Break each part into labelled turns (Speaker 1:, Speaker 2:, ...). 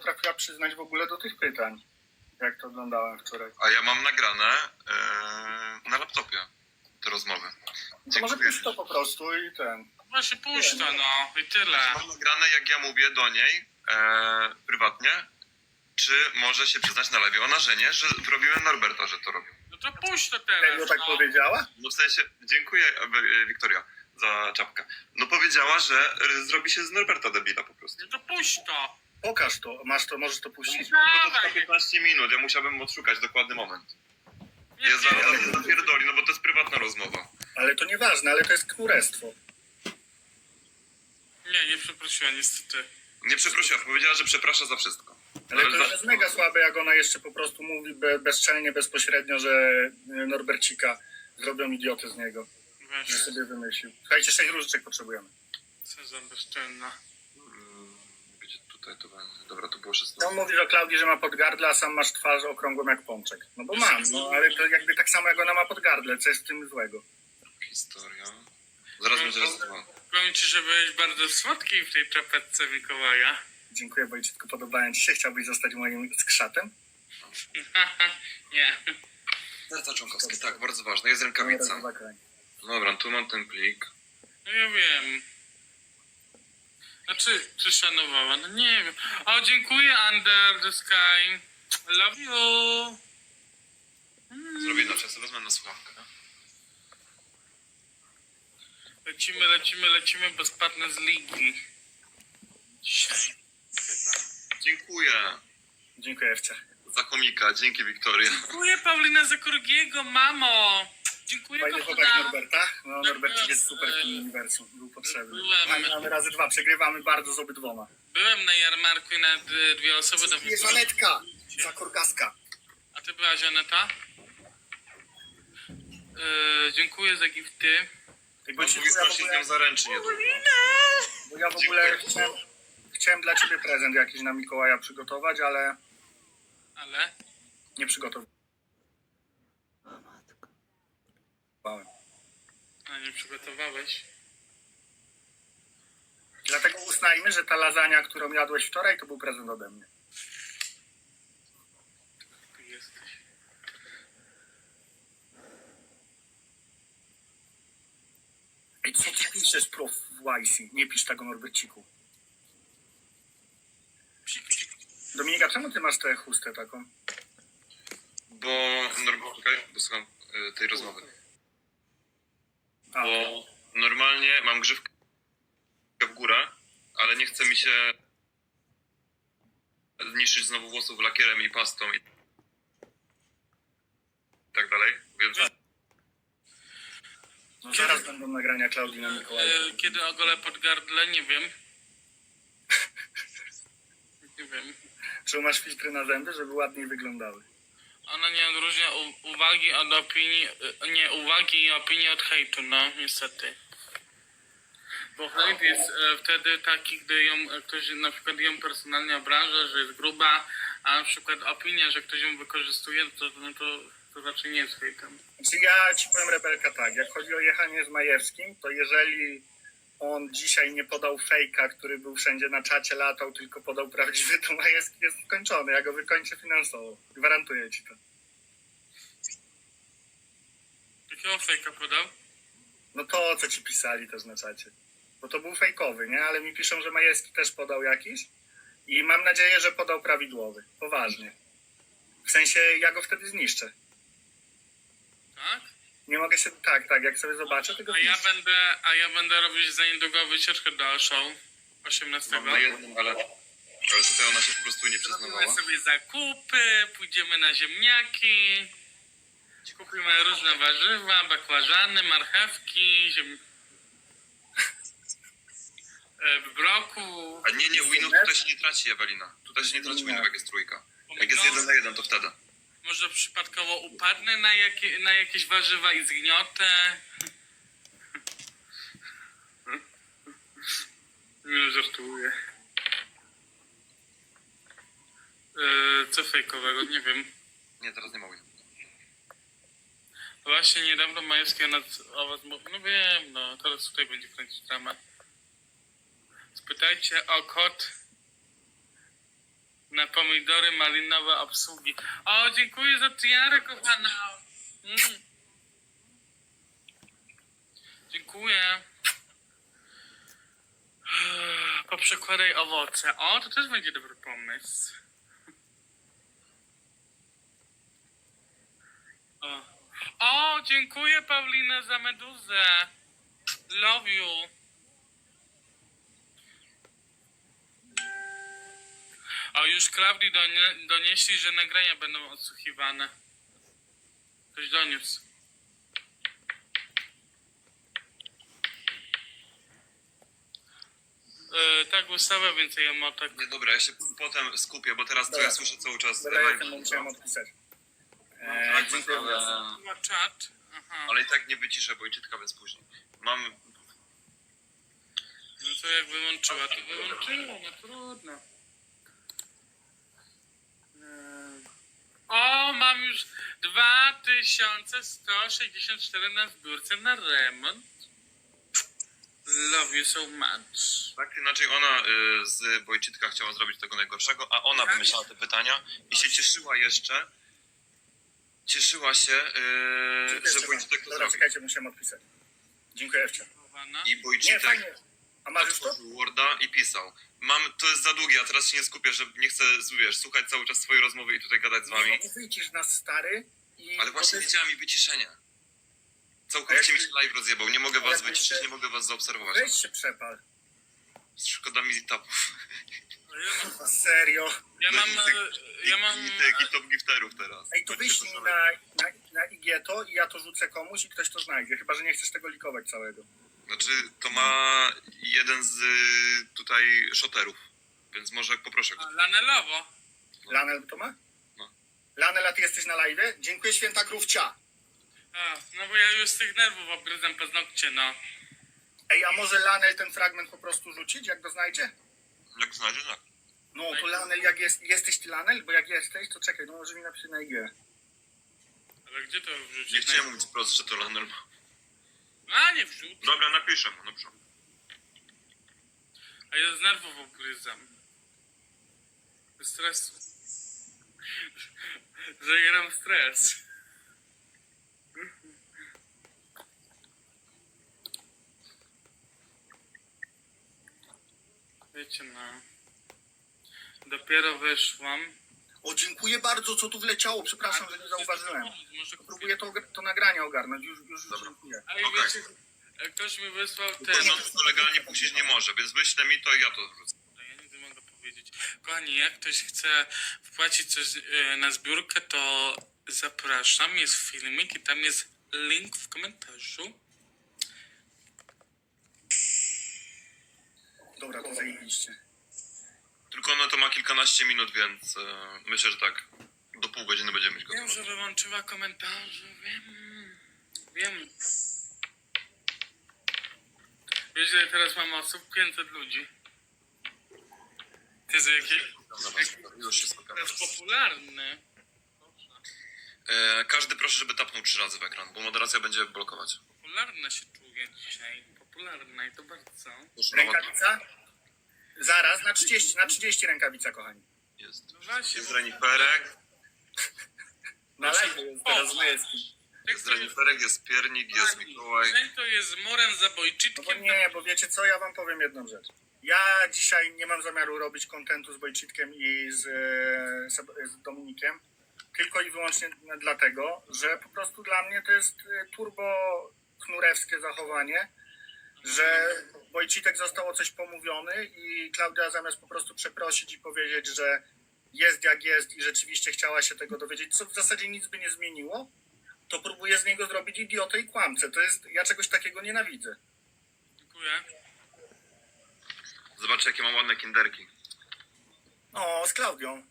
Speaker 1: potrafiła przyznać w ogóle do tych pytań, jak to oglądałem wczoraj.
Speaker 2: A ja mam nagrane na laptopie te rozmowy.
Speaker 1: To może puść to po prostu i ten.
Speaker 3: Właśnie puść to, no i tyle.
Speaker 2: Mam nagrane, jak ja mówię do niej prywatnie, czy może się przyznać na lewie o narzenie, że robiłem Norberta, że to robił.
Speaker 3: No to puść to
Speaker 1: Jak
Speaker 3: teraz,
Speaker 1: tak
Speaker 3: no.
Speaker 1: powiedziała?
Speaker 2: No w sensie, dziękuję Wiktoria za czapkę. No powiedziała, że zrobi się z Norberta debila po prostu.
Speaker 3: No to puść to.
Speaker 1: Pokaż to, masz to, możesz to puścić.
Speaker 2: To trwa
Speaker 3: Dawaj.
Speaker 2: 15 minut, ja musiałbym odszukać dokładny moment.
Speaker 3: Nie,
Speaker 2: Ja zaraz zapierdoli, no bo to jest prywatna rozmowa.
Speaker 1: Ale to nieważne, ale to jest knurestwo.
Speaker 3: nie przeprosiła niestety.
Speaker 2: Nie przeprosiła, powiedziała, że przeprasza za wszystko.
Speaker 1: Ale to już jest mega słabe, jak ona jeszcze po prostu mówi bezczelnie, bezpośrednio, że Norbercika zrobią idioty z niego.
Speaker 3: Weź,
Speaker 1: Że sobie wymyślił. Słuchajcie, 6 różyczek potrzebujemy.
Speaker 3: co za bezczelna.
Speaker 2: Gdzie tutaj to będzie? Dobra, to było 16.
Speaker 1: No mówisz o Klaudii, że ma podgardle, a sam masz twarz okrągłą jak pączek. No bo mam, no ale to jakby tak samo jak ona ma podgardle, co jest w tym złego?
Speaker 2: Historia. Zaraz będzie raz dwa.
Speaker 3: Powiem ci, że byłeś bardzo słodki w tej czapeczce Mikołaja.
Speaker 1: Dziękuję, Wojciechku, podobają ci się. Chciałbyś zostać moim skrzatem?
Speaker 3: Nie.
Speaker 2: Serca członkowskie, tak, bardzo ważne. Jest rękawica. Dobra, tu mam ten plik.
Speaker 3: No ja wiem. Znaczy, czy szanowała? No nie wiem. O, dziękuję Under the Sky. Love you.
Speaker 2: Zrobię inaczej, sobie wezmę na słuchawkę.
Speaker 3: Lecimy, bo spadnę z ligi. Dzisiaj. Chyba.
Speaker 2: Dziękuję
Speaker 1: Dziękuję, Ewcia.
Speaker 2: za komika, dzięki Wiktoria.
Speaker 3: Dziękuję Paulina Zakorgiego, mamo. Dziękuję
Speaker 1: Fajny chłopak
Speaker 3: kochana.
Speaker 1: Norberta. No, Norbercik jest super w tym uniwersum. Był potrzebny.
Speaker 3: Byłem.
Speaker 1: Mamy razy 2, przegrywamy bardzo z obydwoma.
Speaker 3: Byłem na jarmarku i nawet dwie osoby do mnie.
Speaker 1: Jest Anetka! Zakorgaska.
Speaker 3: A ty byłaś Aneta? Dziękuję za gifty.
Speaker 1: Bo
Speaker 2: Mam mówi strasznie z nią zaręczy niedługo.
Speaker 1: ja w ogóle chciałem dla ciebie prezent jakiś na Mikołaja przygotować, ale
Speaker 3: Ale?
Speaker 1: nie przygotowałem.
Speaker 3: A nie przygotowałeś?
Speaker 1: Dlatego uznajmy, że ta lasagna, którą jadłeś wczoraj, to był prezent ode mnie.
Speaker 3: Ty jesteś.
Speaker 1: I co ty piszesz, prof. YC? Nie pisz tego, Norberciku.
Speaker 3: Psik, psik.
Speaker 1: Dominika, czemu ty masz tę chustę taką?
Speaker 2: Czekaj, bo słucham tej rozmowy.
Speaker 1: A,
Speaker 2: Bo normalnie mam grzywkę w górę, ale nie chce mi się niszczyć znowu włosów lakierem i pastą i tak dalej, więc
Speaker 1: no zaraz będą nagrania Klaudii na Mikołaja.
Speaker 3: Kiedy ogolę pod gardle? Nie wiem. Nie wiem.
Speaker 1: Czy masz filtry na zęby, żeby ładniej wyglądały?
Speaker 3: Ona nie odróżnia uwagi od opinii, nie uwagi i opinii od hejtu, no niestety. Bo hejt jest wtedy taki, gdy ją ktoś na przykład ją personalnie obraża, że jest gruba, a na przykład opinia, że ktoś ją wykorzystuje, to raczej nie jest hejtem.
Speaker 1: Znaczy ja ci powiem, Rebelka, tak, jak chodzi o jechanie z Majewskim, to jeżeli on dzisiaj nie podał fejka, który był wszędzie na czacie, latał, tylko podał prawdziwy, to Majewski jest skończony. Ja go wykończę finansowo. Gwarantuję ci to.
Speaker 3: Jakiego fejka podał?
Speaker 1: No to, co ci pisali też na czacie. Bo to był fejkowy, nie? Ale mi piszą, że Majewski też podał jakiś. I mam nadzieję, że podał prawidłowy. Poważnie. W sensie, ja go wtedy zniszczę.
Speaker 3: Tak?
Speaker 1: Nie mogę się... Tak, jak sobie zobaczę, to go zniszczę.
Speaker 3: A ja będę robić za niedługo wycieczkę do show 18.
Speaker 2: mam na jednym, ale tutaj ona się po prostu nie
Speaker 3: Zrobimy
Speaker 2: przyznawała.
Speaker 3: sobie zakupy, pójdziemy na ziemniaki, kupimy różne warzywa, bakłażany, marchewki, broku.
Speaker 2: A nie, winów tutaj się nie traci, Ewelina. Tutaj się nie traci winów, jak jest trójka. Jak jest 1 na 1, to wtedy.
Speaker 3: Może przypadkowo upadnę na jakieś warzywa i zgniotę. Nie żartuję. Co fejkowego? Nie wiem.
Speaker 2: Nie, teraz nie ma winów.
Speaker 3: Właśnie niedawno Majewski o was mówił. No wiem, no teraz tutaj będzie kręcić dramat. Spytajcie o kod Na pomidory malinowe obsługi. O, dziękuję za tiarę, kochana. Dziękuję. Poprzekładaj owoce. O, to też będzie dobry pomysł. O, dziękuję Paulina za meduzę. Love you. O, już Klaudii donieśli, że nagrania będą odsłuchiwane. Ktoś doniósł. Tak, ustawę więcej emotek.
Speaker 2: Nie, dobra, ja się potem skupię, bo teraz to
Speaker 1: Dobra.
Speaker 2: ja słyszę cały czas
Speaker 1: Dobra, ja
Speaker 2: live.
Speaker 1: ten musiałem odpisać.
Speaker 2: Tak,
Speaker 1: Dziękuję bardzo.
Speaker 2: ale,
Speaker 3: Ma czat. Aha.
Speaker 2: ale i tak nie wyciszę Wojciechka, więc później. Mam...
Speaker 3: No to jak wyłączyła, to wyłączyła, no trudno. O, mam już 2164 na zbiórce na remont. Love you so much.
Speaker 2: Tak, inaczej ona z Wojciechka chciała zrobić tego najgorszego, a ona wymyślała te pytania i się cieszyła jeszcze. Cieszyła się, że Wojciech to
Speaker 1: Dobra,
Speaker 2: zrobił.
Speaker 1: czekajcie, musiałem odpisać. Dziękuję Ewcia.
Speaker 2: I
Speaker 1: Nie,
Speaker 2: Wojciech
Speaker 1: fajnie. A masz już to?
Speaker 2: otworzył Worda i pisał. To jest za długie, a teraz się nie skupię, że nie chcę, wiesz, słuchać cały czas swojej rozmowy i tutaj gadać z wami.
Speaker 1: Nie wyjdziesz nas, stary.
Speaker 2: Ale właśnie widziałem i wyciszenie.
Speaker 1: A
Speaker 2: Całkowicie
Speaker 1: jak-
Speaker 2: mi się live rozjebał. Nie mogę was
Speaker 1: jak
Speaker 2: wyciszyć,
Speaker 1: się-
Speaker 2: nie mogę was zaobserwować.
Speaker 1: Weź się przepal.
Speaker 2: Szkoda mi tapów.
Speaker 1: Serio.
Speaker 3: Ja mam
Speaker 2: I tych top gifterów teraz.
Speaker 1: Ej, to
Speaker 2: Będziecie
Speaker 1: wyślij
Speaker 2: szaleli.
Speaker 1: na IG to i ja to rzucę komuś i ktoś to znajdzie. Chyba, że nie chcesz tego likować całego.
Speaker 2: Znaczy, to ma jeden z tutaj shoterów. Więc może poproszę go.
Speaker 3: lanelowo.
Speaker 1: Lanel to ma?
Speaker 2: No.
Speaker 1: Lanel, a ty jesteś na live? Dziękuję, święta krówcia.
Speaker 3: A, no bo ja już z tych nerwów obgryzam paznokcie, no.
Speaker 1: Ej, a może Lanel ten fragment po prostu rzucić, jak go znajdzie?
Speaker 2: Jak znajdziesz, tak.
Speaker 1: No, to Lanel, jak jesteś ty Lanel? Bo jak jesteś, to czekaj, no może mi napisze na IG.
Speaker 3: Ale gdzie to wrzucić?
Speaker 2: Nie chciałem mówić wprost, że to Lanel ma.
Speaker 3: A, nie wrzuć.
Speaker 2: Dobra, napiszę mu, dobrze.
Speaker 3: A ja z nerwów obgryzam. Z stresu. Zajeram stres. Wiecie, no. Dopiero wyszłam.
Speaker 1: O, dziękuję bardzo, co tu wleciało. Przepraszam, że nie zauważyłem.
Speaker 3: Może
Speaker 1: Próbuję to nagranie ogarnąć. Już
Speaker 2: Dobra.
Speaker 1: dziękuję.
Speaker 3: Ej,
Speaker 2: Okej.
Speaker 3: wiecie, ktoś mi wysłał
Speaker 2: Ten
Speaker 3: ten.
Speaker 2: rząd to legalnie puścić nie może, więc wyślę mi to i ja to wrzucę.
Speaker 3: Ja nic nie mogę powiedzieć. Kochani, jak ktoś chce wpłacić coś na zbiórkę, to zapraszam. Jest filmik i tam jest link w komentarzu.
Speaker 1: Dobra, to zajebiście.
Speaker 2: Tylko ono to ma kilkanaście minut, więc myślę, że tak do pół godziny będziemy mieć
Speaker 3: Wiem,
Speaker 2: gotowe.
Speaker 3: że wyłączyła komentarze. Wiem. Wiesz, że teraz mam osób 500 ludzi. Ty za jakie?
Speaker 2: Dobra, już się skupiam.
Speaker 3: To jest popularny.
Speaker 2: Każdy proszę, żeby tapnął 3 razy w ekran, bo moderacja będzie blokować.
Speaker 3: Popularna się czuję dzisiaj. Popularna i to bardzo.
Speaker 2: Proszę,
Speaker 1: Rękawica? Zaraz, na 30 rękawica, kochani.
Speaker 2: Jest.
Speaker 3: No właśnie,
Speaker 2: Jest reniferek,
Speaker 1: Na live jest teraz Majewski.
Speaker 2: jest reniferek, jest piernik, jest Mikołaj.
Speaker 3: Ten to jest morem za
Speaker 1: No bo
Speaker 3: bojczytkiem.
Speaker 1: nie, bo wiecie co, ja wam powiem jedną rzecz. Ja dzisiaj nie mam zamiaru robić kontentu z Bojcitkiem i z Dominikiem, tylko i wyłącznie dlatego, że po prostu dla mnie to jest turbo knurewskie zachowanie, że Bojcitek został o coś pomówiony i Klaudia zamiast po prostu przeprosić i powiedzieć, że jest jak jest i rzeczywiście chciała się tego dowiedzieć, co w zasadzie nic by nie zmieniło, to próbuje z niego zrobić idiotę i kłamcę. To jest, ja czegoś takiego nienawidzę.
Speaker 3: Dziękuję.
Speaker 2: Zobaczcie, jakie mam ładne kinderki.
Speaker 1: O, z Klaudią.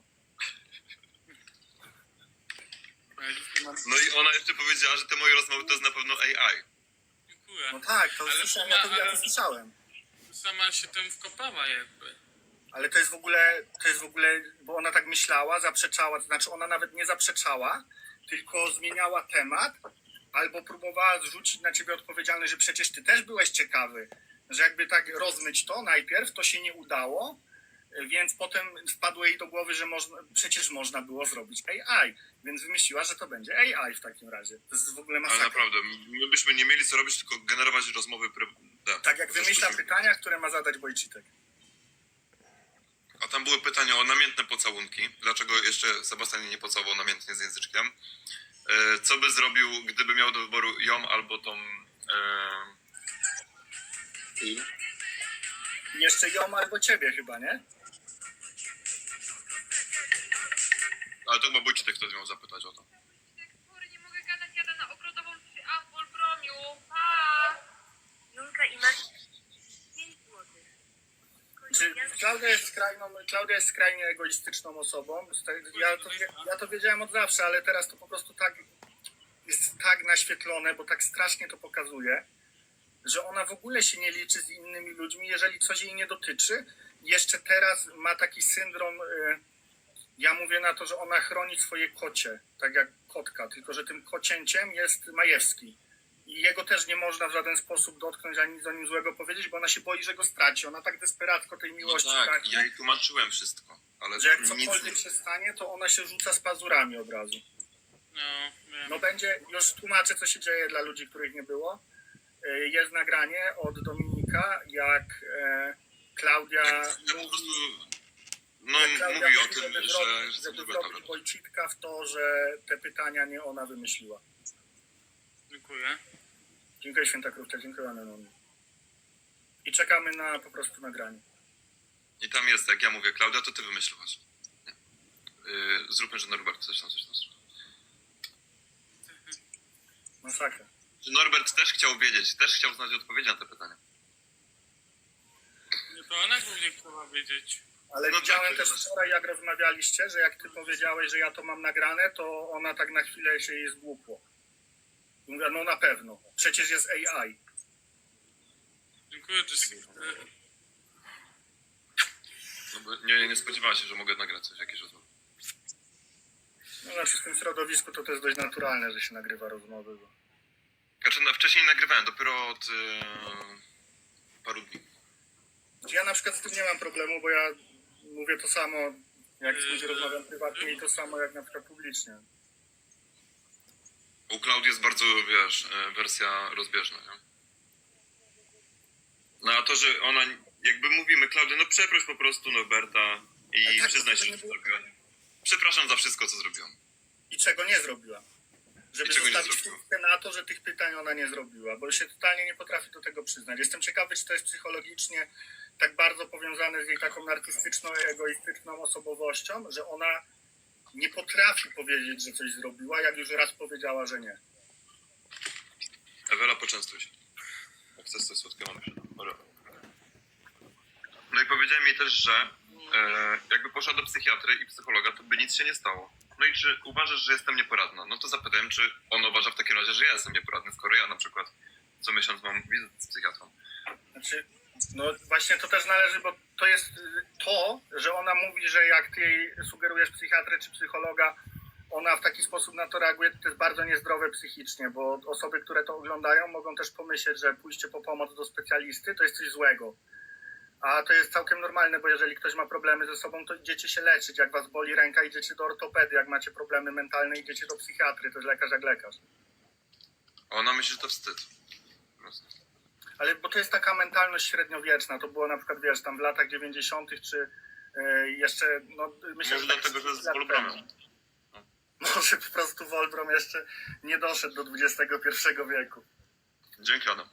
Speaker 2: No i ona jeszcze powiedziała, że te moje rozmowy to jest na pewno AI.
Speaker 3: Dziękuję.
Speaker 1: No tak, to
Speaker 3: Ale
Speaker 1: słyszałem,
Speaker 3: sama-
Speaker 1: ja to słyszałem.
Speaker 3: Sama się tym wkopała jakby.
Speaker 1: Ale to jest w ogóle, bo ona tak myślała, zaprzeczała, to znaczy ona nawet nie zaprzeczała, tylko zmieniała temat, albo próbowała zrzucić na ciebie odpowiedzialność, że przecież ty też byłeś ciekawy, że jakby tak rozmyć to najpierw, to się nie udało, Więc potem wpadło jej do głowy, że przecież można było zrobić AI, więc wymyśliła, że to będzie AI w takim razie. To jest w ogóle
Speaker 2: Ale
Speaker 1: masakra.
Speaker 2: naprawdę, my byśmy nie mieli co robić, tylko generować rozmowy
Speaker 1: Tak jak wymyśla pytania, które ma zadać Wojcitek.
Speaker 2: A tam były pytania o namiętne pocałunki. Dlaczego jeszcze Sebastian nie pocałował namiętnie z języczkiem? Co by zrobił, gdyby miał do wyboru ją albo tą...
Speaker 1: Jeszcze ją albo ciebie chyba, nie?
Speaker 2: Ale to chyba Wojciech ktoś miał zapytać o to.
Speaker 4: Sorry, nie mogę gadać, jadę na ogrodową przy Apple Bromiu. Pa! Julka i Max 5 złotych.
Speaker 1: Czy Klaudia jest skrajnie egoistyczną osobą. Ja to wiedziałem od zawsze, ale teraz to po prostu tak jest tak naświetlone, bo tak strasznie to pokazuje, że ona w ogóle się nie liczy z innymi ludźmi, jeżeli coś jej nie dotyczy. Jeszcze teraz ma taki syndrom, ja mówię na to, że ona chroni swoje kocie, tak jak kotka, tylko że tym kocięciem jest Majewski. I jego też nie można w żaden sposób dotknąć, ani nic o nim złego powiedzieć, bo ona się boi, że go straci. Ona tak desperacko tej
Speaker 2: No
Speaker 1: miłości
Speaker 2: tak,
Speaker 1: pragnie,
Speaker 2: ja jej tłumaczyłem wszystko, ale
Speaker 1: że jak
Speaker 2: nic
Speaker 1: cokolwiek się stanie, to ona się rzuca z pazurami od razu.
Speaker 3: No, wiem.
Speaker 1: No będzie, już tłumaczę, co się dzieje dla ludzi, których nie było. Jest nagranie od Dominika, jak Klaudia
Speaker 2: Ja po
Speaker 1: mówi,
Speaker 2: prostu... No,
Speaker 1: Klaudia
Speaker 2: mówi o
Speaker 1: mówi,
Speaker 2: tym,
Speaker 1: żeby
Speaker 2: że
Speaker 1: żeby
Speaker 2: lubię
Speaker 1: wrobić
Speaker 2: tablet.
Speaker 1: Wojcitka w to, że te pytania nie ona wymyśliła.
Speaker 3: Dziękuję.
Speaker 1: Dziękuję Święta Krówka, dziękuję Anonimie. I czekamy na po prostu nagranie.
Speaker 2: I tam jest, jak ja mówię, Klaudia, to ty wymyśliłaś. Zróbmy, że Norbert coś tam.
Speaker 1: Masakra.
Speaker 2: Że Norbert też chciał wiedzieć, też chciał znać odpowiedzi na te pytania.
Speaker 3: Nie, to ona głównie chciała wiedzieć.
Speaker 1: Ale
Speaker 2: No
Speaker 1: widziałem
Speaker 2: tak,
Speaker 1: też
Speaker 2: to jest-
Speaker 1: wczoraj, jak rozmawialiście, że jak ty powiedziałeś, że ja to mam nagrane, to ona tak na chwilę się jej zgłupło. I mówię, no na pewno, przecież jest AI.
Speaker 3: Dziękuję, Jessica.
Speaker 2: No bo nie spodziewała się, że mogę nagrać coś, jakieś rozmowy.
Speaker 1: No znaczy w tym środowisku to jest dość naturalne, że się nagrywa rozmowy. Bo...
Speaker 2: Znaczy, no, wcześniej nagrywałem, dopiero od paru dni.
Speaker 1: Ja na przykład z tym nie mam problemu, bo ja mówię to samo, jak z kimś rozmawiam prywatnie i to samo jak na przykład publicznie.
Speaker 2: U Klaudii jest bardzo, wiesz, wersja rozbieżna, nie? No a to, że ona, jakby mówimy, Klaudia, no przeproś po prostu Norberta i
Speaker 1: Ale tak,
Speaker 2: przyznaj
Speaker 1: to
Speaker 2: się,
Speaker 1: nie
Speaker 2: że
Speaker 1: było-
Speaker 2: zrobiła. Przepraszam za wszystko, co zrobiłam.
Speaker 1: I czego nie zrobiła. Żeby
Speaker 2: I czego nie
Speaker 1: zostawić
Speaker 2: zrobiła.
Speaker 1: chwilkę na to, że tych pytań ona nie zrobiła, bo się totalnie nie potrafi do tego przyznać. Jestem ciekawy, czy to jest psychologicznie tak bardzo powiązane z jej taką narcystyczną, egoistyczną osobowością, że ona nie potrafi powiedzieć, że coś zrobiła, jak już raz powiedziała, że nie.
Speaker 2: Ewela, poczęstuj się. Jak chcesz coś słodkiego, mam przed. No i powiedziałem jej też, że jakby poszła do psychiatry i psychologa, to by nic się nie stało. No i czy uważasz, że jestem nieporadna? No to zapytałem, czy on uważa w takim razie, że ja jestem nieporadny, skoro ja na przykład co miesiąc mam wizytę z psychiatrą.
Speaker 1: Znaczy, no właśnie to też należy, bo to jest to, że ona mówi, że jak ty jej sugerujesz psychiatrę czy psychologa, ona w taki sposób na to reaguje, to jest bardzo niezdrowe psychicznie, bo osoby, które to oglądają, mogą też pomyśleć, że pójście po pomoc do specjalisty to jest coś złego. A to jest całkiem normalne, bo jeżeli ktoś ma problemy ze sobą, to idziecie się leczyć. Jak was boli ręka, idziecie do ortopedy. Jak macie problemy mentalne, idziecie do psychiatry. To jest lekarz jak lekarz.
Speaker 2: A ona myśli, że to wstyd. Po prostu.
Speaker 1: Ale bo to jest taka mentalność średniowieczna. To było na przykład, wiesz, tam w latach 90. czy jeszcze, no myślę,
Speaker 2: Może
Speaker 1: że tak
Speaker 2: dlatego, że z
Speaker 1: lat
Speaker 2: Wolbramem.
Speaker 1: temu. Może po prostu Wolbrom jeszcze nie doszedł do XXI wieku.
Speaker 2: Dzięki, Adam.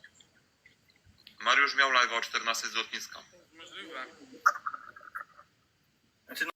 Speaker 2: Mariusz miał live o 14 z lotniska.
Speaker 3: Możliwe.
Speaker 1: Znaczy,